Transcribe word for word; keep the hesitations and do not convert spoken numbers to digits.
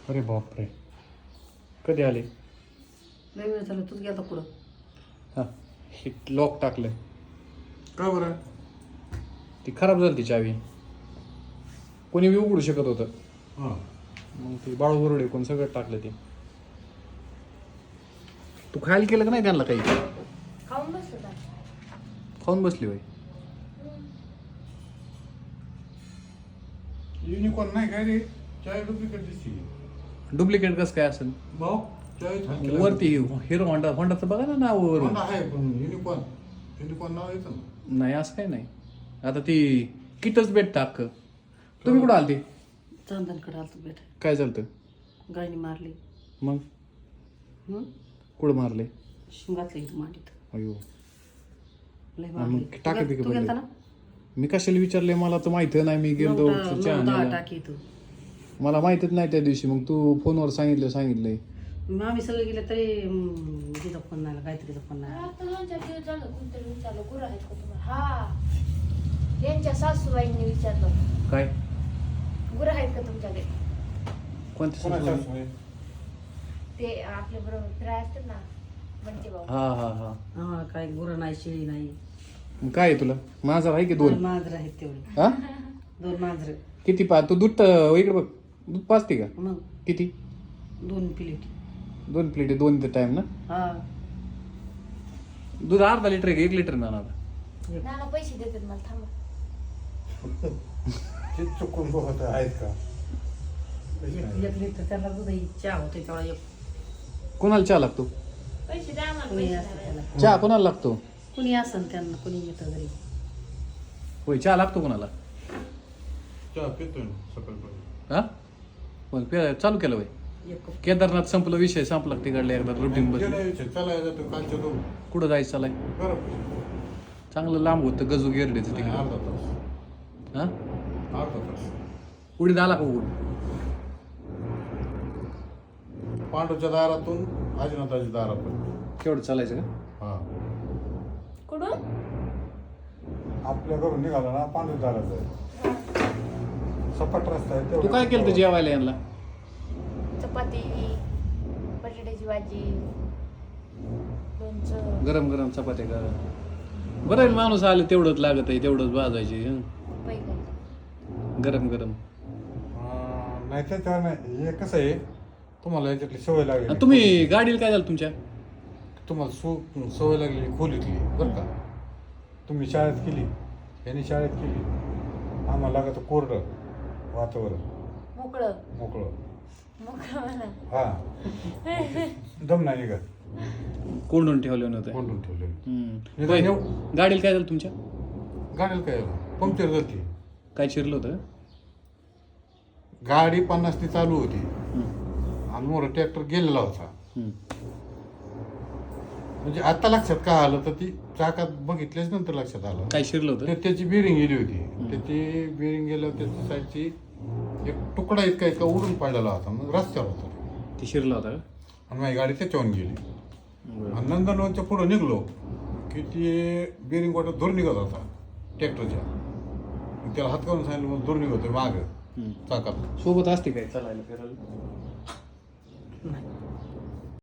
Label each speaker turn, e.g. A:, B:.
A: अरे बापरे, कधी आले?
B: लय वेळ झालं, तूच गेला पुढं.
A: हां, हे लॉक टाकलं.
C: का बरं?
A: ती खराब झाली ती चावी. कोणी बी उघडू शकत होतं.
C: हां.
A: मग ती बाळू बरोडे कोण सगळं टाकलं ते. तू खायला केलं का नाही त्यांना काही?
D: खाऊन बसलो का?
A: खाऊन बसली बाई.
C: युनिकॉर्न नाही काय रे? चाय डुप्लिकेट दिसते.
A: डुप्लिकेट कसं काय असेल?
C: भाऊ चाय
A: वरती हिरो होंडा होंडाचं बघा ना नाव वरून.
C: आहे पण युनिकॉर्न युनिकॉर्न नाव येतं ना.
A: नाही असं काही नाही. आता ती किटच भेटतं अख्खं. तुम्ही कुठं आलती?
B: चंदनकडे आलतो बेट.
A: काय झालं?
B: गायनी मारली.
A: मग
B: हं?
A: कुठं मारले?
B: शिंगातलं इथं मांडीत.
A: अयो,
B: लय
A: मग
B: मारली.
A: टाकी बिकी
B: तू गेलता
A: पडली.
B: ना?
A: मी कशाला विचारले? मला तर माहिती नाही. मी गेलो
B: नऊ दहा-
A: चहा
B: नऊ दहा
A: आणायला.
B: टाकी तू.
A: मला माहितीच नाही त्या दिवशी. मग तू फोनवर सांगितलं सांगितलंय.
B: मग आम्ही सगळे गेले तरी हम्म, तिचा फोन नाही आला, गायत्रीचा फोन नाही आला.
D: आता दोन चार दिवस झालं कोणतरी विचारलं गुरु आहेत का तुम्हाला? हा, यांच्या सासूबाईंनी विचारलं
A: काय?
D: गुरु आहेत का तुमच्याकडे?
A: कोणत्या
C: कोणाच्या
A: सुचवलं?
C: सासूबाई?
D: ते आपल्या बरोबर फिराय असतात ना, म्हणते भाऊ.
A: हा हा हा.
B: हा, काय गुरं नाही, शेळी नाही.
A: मग काय आहे तुला? माझा आहे की
B: दोन
A: दोन?
B: मांजर आहेत तेवढे.
A: हा,
B: दोन मांजर.
A: किती पा तू दूध तर इकडे बघ. दूध पाचते का?
B: मग
A: किती?
B: दोन प्लेट.
A: दोन प्लेट दोन टाइम ना?
B: हा,
A: दूध अर्धा लिटर आहे का एक लिटर ना?
D: नाना पैसे देतात मला, थांबा.
C: ते चुकून बघत आहेत का?
B: एक एक लिटर त्याला दूध चहा होते तेवढा एक.
A: कोणाला चहा लागतो?
D: पैसे द्या आम्हाला,
B: कुणी
D: पैसे
B: असतं
D: द्या.
B: त्याला,
A: चहा कोणाला लागतो?
B: कुणी असन त्यांना, कुणी येतं घरी.
A: होय, चहा लागतो कोणाला?
C: चहा पितोय ना सकाळी.
A: हा, पण पे- चालू केलं बाई.
B: एक कप.
A: केदारनाथ संपलं, विषय संपला तिकडले एकदा रुटीन बदल.
C: चला जातो कालच्या दोन
A: कुठं जायचं चालाय?
C: बरं
A: चांगलं लांब होतं गजू गिरडीचं
C: नाही,
A: तिकडे.
C: अर्धा तास
A: हा,
C: अर्धा तास
A: उडीद आला का उघड?
C: पांडूच्या दारातून आजीनाथाच्या दारातून.
A: केवढं चालायचं का?
C: हा,
D: कुठून?
C: आपल्या घरून निघाला ना पांडू दारात आहे. सपाट रस्ता आहे.
A: तू
C: तेवढं-
A: काय केलं जेवायला यांना?
D: चपाती, बटाट्याची भाजी, लोणचं,
A: गरम गरम चपात्या का? बरं आहे, माणूस आले तेवढंच लागत आहे, तेवढंच भाजायची. हं.
D: पैका.
A: गरम गरम.
C: अं, नाही त्याच्यावर नाही. हे कसं आहे, तुम्हाला याच्यातली सवय लागली.
A: आणि तुम्ही गाडीला काय झालं तुमच्या?
C: तुम्हाला सु सवय लागली खोलीतली बरं का. तुम्ही शाळेत केली, यांनी शाळेत केली. आम्हाला लागत कोरडं वातावरण,
D: मोकळं
C: मोकळं.
D: मोकळं म्हणा.
C: हा, दम नाही निघत.
A: कोंडून ठेवले नव्हते.
C: कोंडून ठेवले.
A: हं.
C: निदान
A: होय.
C: एव-
A: गाडीला काय झालं तुमच्या?
C: गाडीला काय पंक्चर झाली.
A: काय चिरलं होतं?
C: गाडी पन्नासनी चालू होती
A: हं.
C: आणि मोर ट्रॅक्टर गेलेला होता.
A: हं.
C: म्हणजे आता लक्षात काय आलं तर ती चाकात बघितल्याच नंतर लक्षात आलं.
A: काय शिरलं
C: ते
A: होतं?
C: त्याची बिरिंग गेली होती. त्याची बिरिंग गेल्यावर त्याची साईडची एक तुकडा इतका इतका उडून पडलेला होता. मग रस्त्यावर होता
A: ती शिरला होता का?
C: आणि माझी गाडी त्याच्यावर गेली.
A: बरं.
C: आणि नंदनवनच्या पुढं निघलो की ते बिरिंग वाटत दूर निघत होता ट्रॅक्टरच्या. मग त्याला हात करून सांगितलं मग दूर निघतोय मागं
A: हं.
C: चाकात.
A: सोबत असते काय चालायला फिरायला?
B: नाही.